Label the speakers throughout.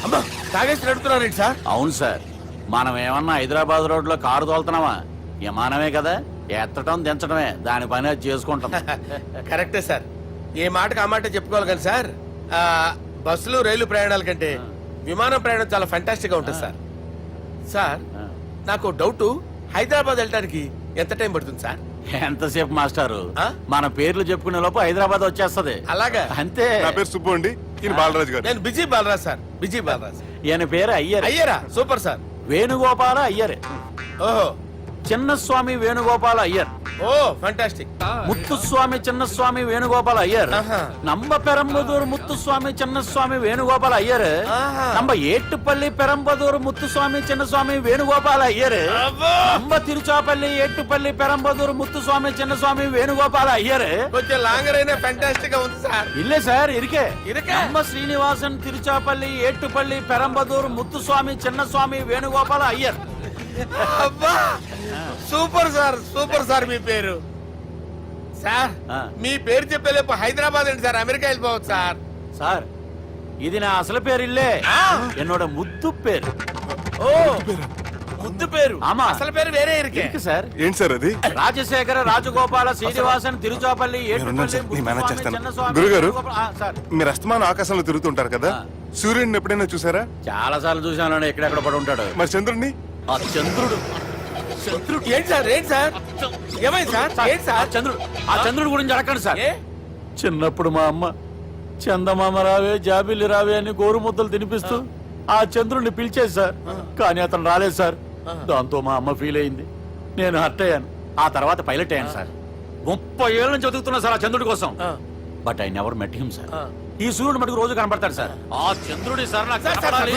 Speaker 1: అమ్మా తాగేసి నడుపుతున్నారేంటి సార్?
Speaker 2: అవును సార్, మనం ఏమన్నా హైదరాబాద్ రోడ్ లో కారు తోలుతున్నామా? విమానమే కదా, ఎత్తడం దించడమే దాని పని అది చేసుకుంటాం.
Speaker 1: కరెక్టే సార్, ఏ మాటకు ఆ మాట చెప్పుకోవాలి కానీ సార్, బస్సులు రైలు ప్రయాణాల కంటే విమానం ప్రయాణం చాలా ఫంటాస్టిక్ గా ఉంటుంది సార్. సార్ నాకు డౌట్, హైదరాబాద్ వెళ్ళడానికి ఎంత టైం పడుతుంది సార్?
Speaker 2: ఎంతసేపు మాస్టారు, మన పేర్లు చెప్పుకునే లోపు హైదరాబాద్ వచ్చేస్తది.
Speaker 1: అలాగా?
Speaker 2: అంతే.
Speaker 3: నా పేరు సుబ్బు అండి, ఈయన బాలరాజు గారు.
Speaker 1: నేను busy Balaraj sir, busy Balaraj.
Speaker 2: ఈయన పేరు అయ్యర్.
Speaker 1: అయ్యరా? Super sir.
Speaker 2: వేణుగోపాల అయ్యర్.
Speaker 1: ఓహో,
Speaker 2: చిన్నస్వామి వేణుగోపాల అయ్యర్.
Speaker 1: Oh fantastic.
Speaker 2: ముత్తుస్వామి చిన్నస్వామి వేణుగోపాల అయ్యర్. நம்ம பெரம்பதூர் முத்துசுவாமி சின்னசுவாமி வேணுகோபால் ஐயர். நம்ம ஏட்டுப்பள்ளி பெரம்பதூர் முத்துசுவாமி சின்னசுவாமி வேணுகோபால் ஐயர். நம்ம திருச்சாப்பள்ளி ஏட்டுப்பள்ளி பெரம்பதூர் முத்துசுவாமி சின்னசுவாமி வேணுகோபால் ஐயர்.
Speaker 1: కొంచెం లాంగర్ అయినా ఫంటాస్టిక్ గా ఉంది సార్.
Speaker 2: இல்ல சார், இருக்கே. நம்ம ஸ்ரீனிவாசன் திருச்சாப்பள்ளி ஏட்டுப்பள்ளி பெரம்பதூர் முத்துசுவாமி சின்னசுவாమి వేణుగోపాల్ ஐயர்.
Speaker 1: అబ్బా సూపర్ సార్, సూపర్ సార్. మీ పేరు సార్, మీ పేరు చెప్పేలేపు హైదరాబాద్ అండి సార్, అమెరికా వెళ్ళిపోవచ్చు సార్.
Speaker 2: సార్ ఇది నా అసలు పేరు ఇల్లే, என்னோட ముద్దు పేరు.
Speaker 1: ఓ ముద్దు పేరు?
Speaker 2: ఆమా,
Speaker 1: అసలు పేరు వేరే ఇరుకే
Speaker 2: సార్.
Speaker 3: ఏంటి సార్ అది?
Speaker 2: రాజశేఖర రాజగోపాల శ్రీనివాసన్ తిరుచాపల్లి
Speaker 3: గురుగారు, మీరు అస్తమానం ఆకాశంలో తిరుగుతుంటారు కదా, సూర్యుడిని ఎప్పుడైనా చూసారా?
Speaker 2: చాలా సార్లు చూసాను, ఎక్కడెక్కడ పడి ఉంటాడు.
Speaker 3: మరి చంద్రుడిని?
Speaker 2: ఆ చంద్రుడు.
Speaker 1: ఏంటి సార్, ఏంటి సార్, ఏమైంది సార్? ఏంటి సార్
Speaker 2: చంద్రుడు? ఆ చంద్రుడు గురించి అడగండి సార్. చిన్నప్పుడు మా అమ్మ చందమామ రావే జాబిల్లి రావే అని గోరు ముద్దలు తినిపిస్తూ ఆ చంద్రుడిని పిలిచేది సార్, కానీ అతను రాలేదు సార్. దాంతో మా అమ్మ ఫీల్ అయింది, నేను హర్ట్ అయ్యాను. ఆ తర్వాత పైలట్ అయ్యాను సార్. 30 ఏళ్ళ నుంచి చదువుతున్నా సార్ ఆ చంద్రుడి కోసం. But I never met him sir. ఈ సూర్యుడు మటుకు రోజు కనబడతాడు సార్. ఆ చంద్రుడి సార్ నాకు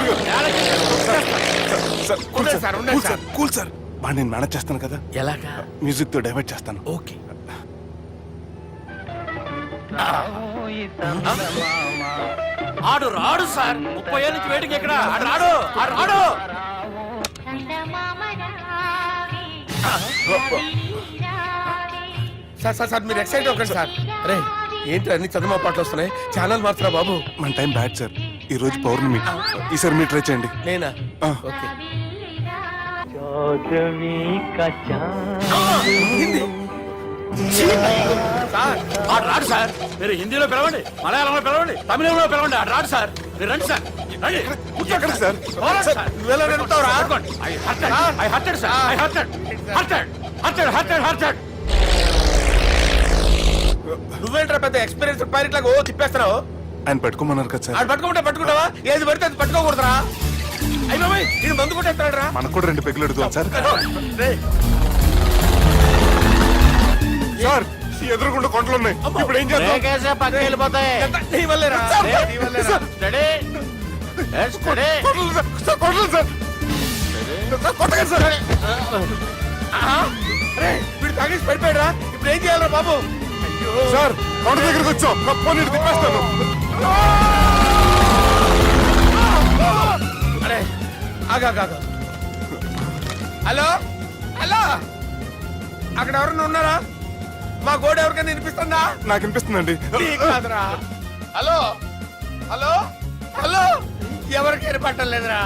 Speaker 3: కూల్ సార్, బాగా నేను మేనేజ్ చేస్తాను కదా.
Speaker 1: ఎలాగా?
Speaker 3: మ్యూజిక్ తో డైవర్ట్ చేస్తాను.
Speaker 1: ఓకే.
Speaker 2: ఆడు రాడు సార్, 30 ఏళ్ళ నుంచి వేడికి ఎక్కడ ఆడు రాడు, ఆడు రాడు.
Speaker 1: సార్ సార్ సార్ మీరు ఎక్సైట్ అవ్వకండి సార్. రే ఏంటి అన్ని చదువు పాటలు వస్తున్నాయి, ఛానల్ మార్చరా బాబు.
Speaker 3: మన టైం బ్యాడ్ సార్, ఈ రోజు పౌర్ణమి. ఈసారి మీరు ట్రై చేయండి.
Speaker 1: నేనా? ఓకే.
Speaker 2: సార్ ఆడు రాడు సార్, మీరు హిందీలో పిలవండి, మలయాళంలో పిలవండి, తమిళంలో పిలవండి, ఆడు రాడు సార్. మీరు రండి సార్, రండి.
Speaker 3: కూర్చోకండి సార్.
Speaker 1: నువ్వేంట్రా పెద్ద ఎక్స్పీరియన్స్ పైరెట్ లాగా ఓ తిప్పేస్తున్నావు?
Speaker 3: ఆయన పట్టుకోమన్నారు కదా సార్.
Speaker 1: ఆడు పట్టుకుంటే పట్టుకుంటావా? ఏది పడితే అది పట్టుకోకూడదురా. అయ్యి బాబాయ్, ఇది మందు కొట్టేస్తాడు రా.
Speaker 3: మనకు కూడా 2 పెగ్గులు అడుగుతాం సార్. సార్ ఎదురుకుండా కొండలు ఉన్నాయి, ఇప్పుడు ఏం చేద్దాం?
Speaker 2: పక్కకి వెళ్ళిపోతాయి.
Speaker 1: నీ వల్లేరా? వీడు తాగేసి పడిపోయాడు రా. ఇప్పుడు ఏం చేయాలరా బాబు?
Speaker 3: సార్ కొండ దగ్గరికి వచ్చాం, నీరు తిప్పేస్తాను.
Speaker 1: అరే ఆగా. హలో హలో, అక్కడ ఎవరన్నా ఉన్నారా? మా గోడ ఎవరికైనా వినిపిస్తుందా?
Speaker 3: నాకు వినిపిస్తుందండి.
Speaker 1: కాదురా. హలో హలో హలో, ఎవరికి ఏర్పట్టలేదురా.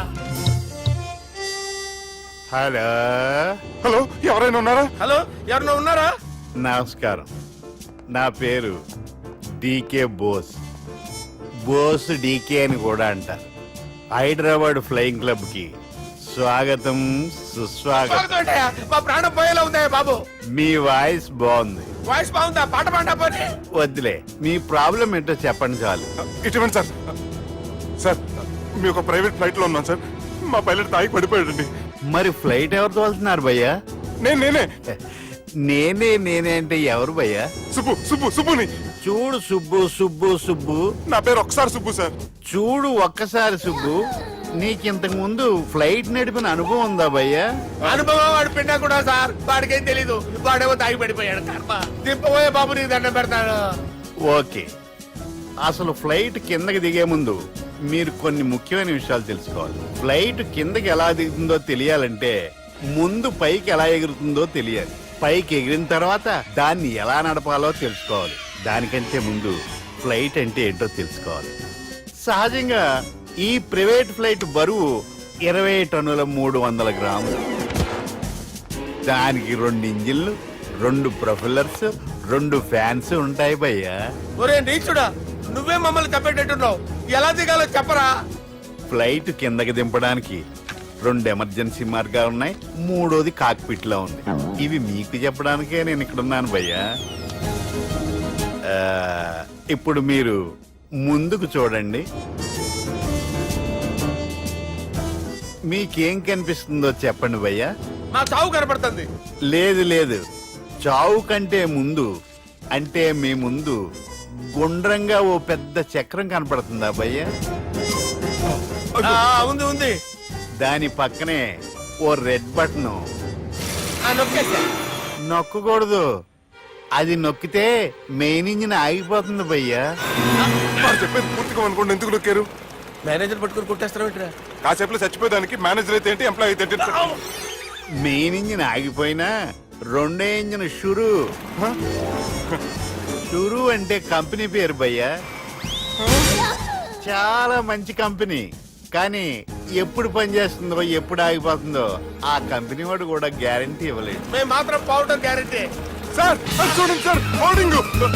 Speaker 3: హలో హలో, ఎవరైనా ఉన్నారా?
Speaker 1: హలో, ఎవరైనా ఉన్నారా?
Speaker 4: నమస్కారం, నా పేరు డీకే బోస్. బోస్ డీకే అని కూడా అంటారు. హైదరాబాద్ ఫ్లయింగ్ క్లబ్ కి స్వాగతం సుస్వాగతం.
Speaker 1: మా ప్రాణం పోయేలా ఉందా బాబు?
Speaker 4: మీ వాయిస్ బాగుంది.
Speaker 1: వాయిస్ బాగుందా? పాట పాడా పోనీ.
Speaker 4: వద్దులే, మీ ప్రాబ్లం ఏంటో చెప్పండి చాలు.
Speaker 3: ఇటువంటి సార్, సార్ మీ ఒక ప్రైవేట్ ఫ్లైట్ లో ఉన్నాను సార్, మా పైలట్ తాగి పడిపోయాడండి.
Speaker 4: మరి ఫ్లైట్ ఎవరు తోలుతున్నారు భయ్యా? నేనే అంటే ఎవరు భయ్యా?
Speaker 3: సుబ్బుని.
Speaker 4: చూడు సుబ్బు,
Speaker 3: నా పేరు ఒకసారి సుబ్బు సార్.
Speaker 4: చూడు ఒక్కసారి సుబ్బు, నీకింతకు ముందు ఫ్లైట్ నడిపిన అనుభవం ఉందా భయ్యా?
Speaker 1: అనుభవం వాడు పిండా కూడా సార్, వాడికేం తెలీదు. వాడేమో తాగి పడిపోయాడు. కర్మ. దింపబోయే బాబు నీకు దండం పెడతాడు.
Speaker 4: ఓకే, అసలు ఫ్లైట్ కిందకి దిగే ముందు మీరు కొన్ని ముఖ్యమైన విషయాలు తెలుసుకోవాలి. ఫ్లైట్ కిందకి ఎలా దిగుతుందో తెలియాలంటే ముందు పైకి ఎలా ఎగురుతుందో తెలియాలి. పైకి ఎగిరిన తర్వాత దాన్ని ఎలా నడపాలో తెలుసుకోవాలి. దానికంటే ముందు ఫ్లైట్ అంటే ఏంటో తెలుసుకోవాలి. సహజంగా ఈ ప్రైవేట్ ఫ్లైట్ బరువు 20 టన్నుల 300 గ్రాములు. దానికి 2 ఇంజిన్లు, 2 ప్రొఫెల్లర్స్, 2 ఫ్యాన్స్ ఉంటాయి భయ్యా.
Speaker 1: ఒరే నీచుడా, నువ్వే మమ్మల్ని తప్పేటట్టున్నావు. ఎలా దిగాలో చెప్పరా?
Speaker 4: ఫ్లైట్ కిందకి దింపడానికి 2 ఎమర్జెన్సీ మార్గాలు ఉన్నాయి, 3వది కాక్పిట్ లో ఉంది. ఇవి మీకు చెప్పడానికే నేను ఇక్కడ ఉన్నాను భయ్యా. ఇప్పుడు మీరు ముందుకు చూడండి. మీకేం కనిపిస్తుందో చెప్పండి భయ్యా.
Speaker 1: మా చావు కనపడుతుంది.
Speaker 4: లేదు లేదు, చావు కంటే ముందు అంటే మీ ముందు గుండ్రంగా ఓ పెద్ద చక్రం కనపడుతుందా భయ్యా?
Speaker 1: ఉంది ఉంది.
Speaker 4: దాని పక్కనే ఓ రెడ్ బటన్.
Speaker 1: నొక్కేసా.
Speaker 4: నొక్కకూడదు, అది నొక్కితే మెయిన్ ఇంజిన్ ఆగిపోతుంది భయ్యా.
Speaker 3: చెప్పేది పూర్తిగా అనుకోండి, ఎందుకు నొక్కారు?
Speaker 1: మేనేజర్ పట్టుకుని కుట్టేస్తారా ఏంట్రా?
Speaker 3: కాసేపులో చచ్చిపోయేదానికి మేనేజర్ అయితే ఏంటి, ఎంప్లాయ్ అయితే ఏంటి?
Speaker 4: మెయిన్ ఇంజిన్ ఆగిపోయినా 2వ ఇంజిన్ షురు. షురు అంటే కంపెనీ పేరు భయ్యా. చాలా మంచి కంపెనీ, కానీ ఎప్పుడు పనిచేస్తుందో ఎప్పుడు ఆగిపోతుందో ఆ కంపెనీ వాడు కూడా గ్యారంటీ ఇవ్వలేదు.
Speaker 1: మేము మాత్రం పౌడర్ గ్యారెంటీ.
Speaker 3: సార్ అది చూడండి సార్, హోర్డింగ్.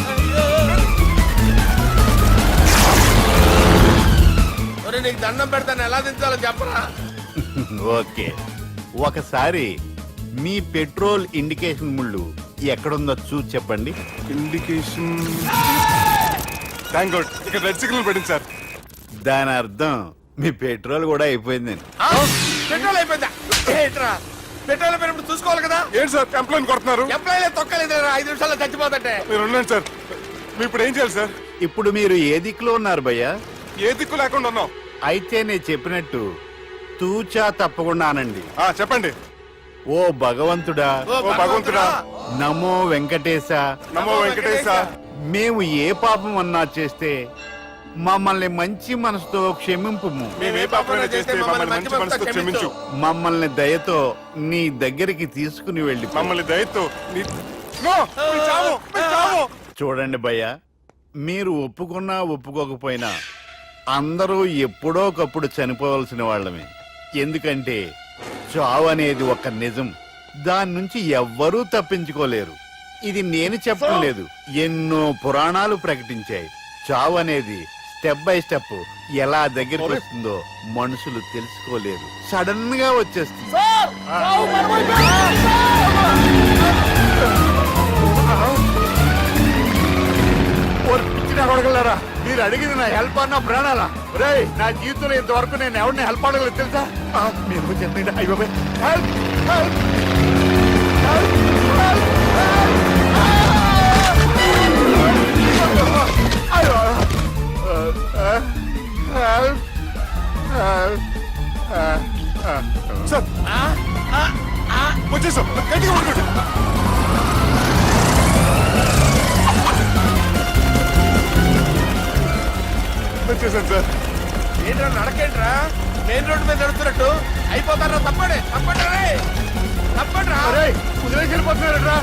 Speaker 1: ఒరే నీకు దండం పెడతాను, ఎలా దించాలో చెప్పరా?
Speaker 4: ఓకే, ఒకసారి మీ పెట్రోల్ ఇండికేషన్ ముళ్ళు ఎక్కడుందో చూసి చెప్పండి.
Speaker 3: ఇండికేషన్. థ్యాంక్ గాడ్, ఇక్కడ రెడ్ సిగ్నల్ పడింది సార్.
Speaker 4: దాని అర్థం మీ పెట్రోల్ కూడా అయిపోయిందండి.
Speaker 1: పెట్రోల్ అయిపోయిందా? ఏంట్రా పెట్రోల్ అయిపోయినప్పుడు చూసుకోవాలి కదా.
Speaker 3: ఏంటి సార్ ఎంప్లాయ్ కొడుతున్నారు?
Speaker 1: ఎంప్లాయీలే తొక్కలేదు 5 నిమిషాల్లో చచ్చిపోతుంటే.
Speaker 3: మీరు ఉండండి సార్, మీరు ఇప్పుడు ఏం చేయాలి సార్?
Speaker 4: ఇప్పుడు మీరు ఏ దిక్కులో ఉన్నారు భయ్యా?
Speaker 3: ఏ దిక్కు లేకుండా ఉన్నాం.
Speaker 4: అయితే నేను చెప్పినట్టు తూచా తప్పకుండా అనండి.
Speaker 3: చెప్పండి.
Speaker 4: ఓ భగవంతుడా,
Speaker 1: ఓ
Speaker 3: భగవంతుడా,
Speaker 4: నమో వెంకటేశ,
Speaker 3: నమో వెంకటేశ.
Speaker 4: మేము ఏ పాపం అన్నా చేస్తే మమ్మల్ని మంచి మనసుతో క్షమింపుము.
Speaker 3: మేము ఏ పాపమైనా చేస్తే మమ్మల్ని మంచి మనసుతో క్షమించు.
Speaker 4: మమ్మల్ని దయతో నీ దగ్గరికి తీసుకుని వెళ్ళి
Speaker 3: మమ్మల్ని దయతో నో, మీ చావు, మీ చావు.
Speaker 4: చూడండి భయ్యా, మీరు ఒప్పుకున్నా ఒప్పుకోకపోయినా అందరూ ఎప్పుడో ఒకప్పుడు చనిపోవలసిన వాళ్ళమే. ఎందుకంటే చావు అనేది ఒక నిజం, దాని నుంచి ఎవ్వరూ తప్పించుకోలేరు. ఇది నేను చెప్పడం లేదు, ఎన్నో పురాణాలు ప్రకటించాయి. చావు అనేది స్టెప్ బై స్టెప్ ఎలా దగ్గరికి వస్తుందో మనుషులు తెలుసుకోలేరు, సడన్ గా వచ్చేస్తుంది. మీరు అడిగింది నా హెల్ప్ అన్న ప్రాణాలా? రే, నా జీవితంలో ఇంతవరకు నేను ఎవరిని హెల్ప్ అడగలేదు తెలుసా? మీరు చెప్పండి. అయ్యో హెల్ప్, హెల్ప్,
Speaker 3: సార్ వచ్చేసాం, గట్టిగా పట్టుకోండి. వచ్చేసాను సార్.
Speaker 1: ఏంట్రా నడకేంట్రా? మెయిన్ రోడ్డు మీద నడుస్తున్నట్టు అయిపోతారా? తప్పండి తప్పండి రే, తప్పండి రా.
Speaker 4: కుదిరేసి వెళ్ళిపోతున్నారా?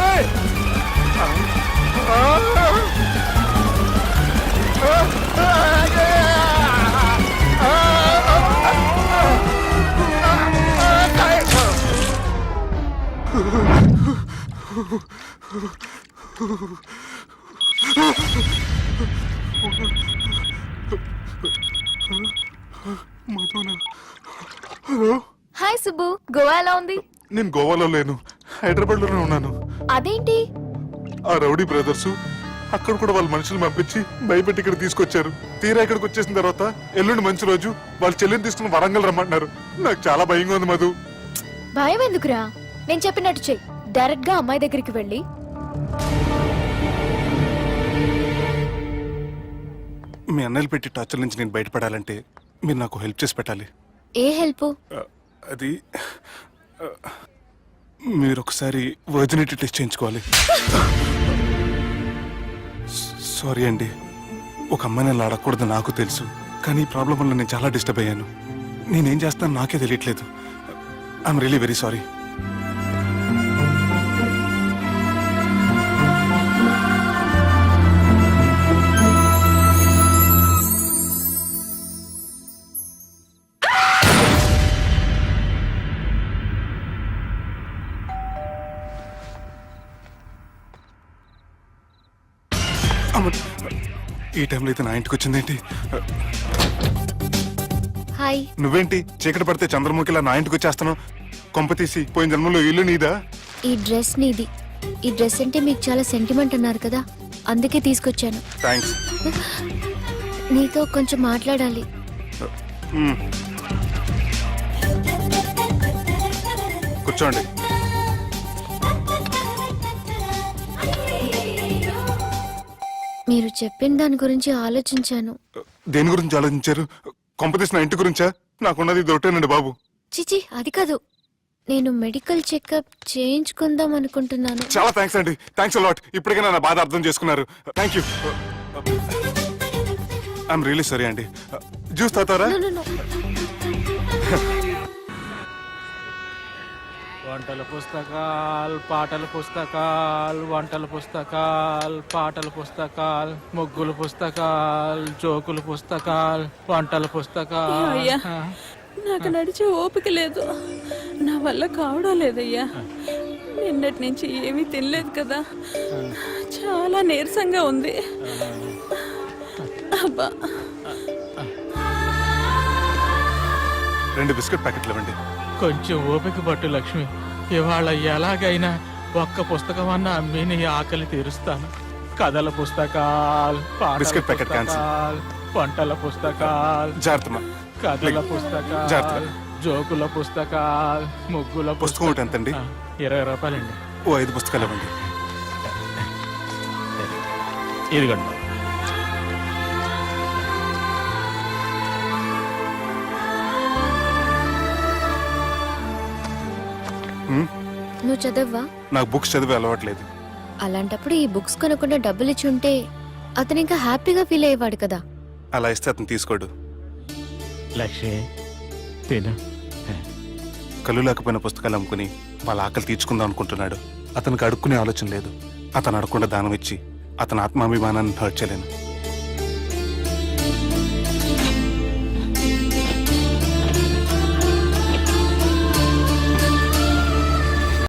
Speaker 5: హాయ్ సుబ్బు, గోవా ఎలా ఉంది?
Speaker 3: నేను గోవాలో లేను, హైదరాబాద్ లోనే ఉన్నాను.
Speaker 5: అదేంటి?
Speaker 3: ఆ రౌడీ బ్రదర్స్ అక్కడ కూడా వాళ్ళ మనుషులు పంపించి భయపెట్టి ఇక్కడ తీసుకొచ్చారు. తీరా ఇక్కడికి వచ్చేసిన తర్వాత ఎల్లుండి మంచి రోజు వాళ్ళ చెల్లిని తీసుకుని వరంగల్ రమ్మంటున్నారు. నాకు చాలా భయంగా ఉంది మధు.
Speaker 5: భయం ఎందుకురా? నేను చెప్పినట్టు చెయ్యి. డైరెక్ట్ గా అమ్మాయి దగ్గరికి వెళ్ళి
Speaker 3: మీ అన్నయ్యలు పెట్టి టార్చర్ నుంచి నేను బయటపడాలంటే మీరు నాకు హెల్ప్ చేసి పెట్టాలి.
Speaker 5: ఏ హెల్ప్?
Speaker 3: అది మీరు ఒకసారి వర్జినిటీ టెస్ట్ చేయించుకోవాలి. సారీ అండి, ఒక అమ్మాయిని అలా అడగకూడదు నాకు తెలుసు, కానీ ఈ ప్రాబ్లం వల్ల నేను చాలా డిస్టర్బ్ అయ్యాను. నేనేం చేస్తాను నాకే తెలియట్లేదు. I'm really very sorry. ఈ టైంలో అయితే నా ఇంటికి వచ్చిందేంటి?
Speaker 5: హాయ్.
Speaker 3: నువ్వేంటి చీకటి పడితే చంద్రముఖిలా నా ఇంటికి వచ్చేస్తాను? కొంప తీసి పోయిన జన్మలో ఇల్లు నీదా?
Speaker 5: ఈ డ్రెస్ నీది. ఈ డ్రెస్ అంటే మీకు చాలా సెంటిమెంట్ అన్నారు కదా, అందుకే తీసుకొచ్చాను.
Speaker 3: థ్యాంక్స్.
Speaker 5: నీతో కొంచెం మాట్లాడాలి.
Speaker 3: కూర్చోండి.
Speaker 5: మీరు చెప్పిన దాని గురించి ఆలోచించాను.
Speaker 3: దేని గురించి ఆలోచించారు? కొంప తీసి నా ఇంటి గురించా? నాకున్నది ఇది ఒకటేనండి బాబు.
Speaker 5: చిచి, అది కాదు. నేను మెడికల్ చెకప్ చేయించుకుందాం అనుకుంటున్నాను.
Speaker 3: చాలా థ్యాంక్స్ అండి. Thanks a lot. ఇప్పటికైనా నా బాధ అర్థం చేసుకున్నారు. Thank you. I'm really sorry అండి. జ్యూస్ తాతారా?
Speaker 5: No, no, no.
Speaker 2: వంటల పుస్తకాలు, పాటల పుస్తకాలు, వంటల పుస్తకాలు, పాటల పుస్తకాలు, ముగ్గుల పుస్తకాలు, జోకుల పుస్తకాలు, వంటల పుస్తకాలు.
Speaker 6: అయ్యా, నాకు నడిచే ఓపిక లేదు, నా వల్ల కావడం లేదయ్యా. నిన్నటి నుంచి ఏమీ తినలేదు కదా, చాలా నీరసంగా ఉంది. అబ్బా,
Speaker 3: 2 బిస్కెట్ ప్యాకెట్లు ఇవ్వండి.
Speaker 2: కొంచెం ఓపిక పట్టు లక్ష్మి. ఇవాళ ఎలాగైనా ఒక్క పుస్తకం అన్న అమ్మి నీ ఆకలి తీరుస్తాను. కథల పుస్తకాలు, పాటల
Speaker 3: బిస్కెట్ ప్యాకెట్ క్యాన్సిల్.
Speaker 2: పుస్తకాలు, వంటల పుస్తకాలు,
Speaker 3: జాగ్రత్తమ్మా.
Speaker 2: కథల పుస్తకాలు,
Speaker 3: జాగ్రత్త.
Speaker 2: జోకుల పుస్తకాలు, ముగ్గుల
Speaker 3: పుస్తకం ఒకటి ఎంతండి?
Speaker 2: 20 రూపాయలండి.
Speaker 3: ఓ 5 పుస్తకాలు ఇవ్వండి.
Speaker 2: ఇదిగండి.
Speaker 5: నువ్వు చదవ్వా?
Speaker 3: నాకు బుక్స్ చదివే అలవాట్లేదు.
Speaker 5: అలాంటప్పుడు ఈ బుక్స్ కొనకుండా డబ్బులు ఇచ్చి ఉంటే అతను ఇంకా హ్యాపీగా ఫీల్ అయ్యేవాడు కదా.
Speaker 3: అలా ఇస్తే అతను తీసుకోడు.
Speaker 2: లక్ష్మి తిను.
Speaker 3: కళ్ళు లేకపోయిన పుస్తకాలు అమ్ముకుని వాళ్ళ ఆకలి తీర్చుకుందాం అనుకుంటున్నాడు. అతనికి అడుక్కునే ఆలోచన లేదు. అతను అడగకుండా దానం ఇచ్చి అతని ఆత్మాభిమానాన్ని హర్ట్ చేయలేను.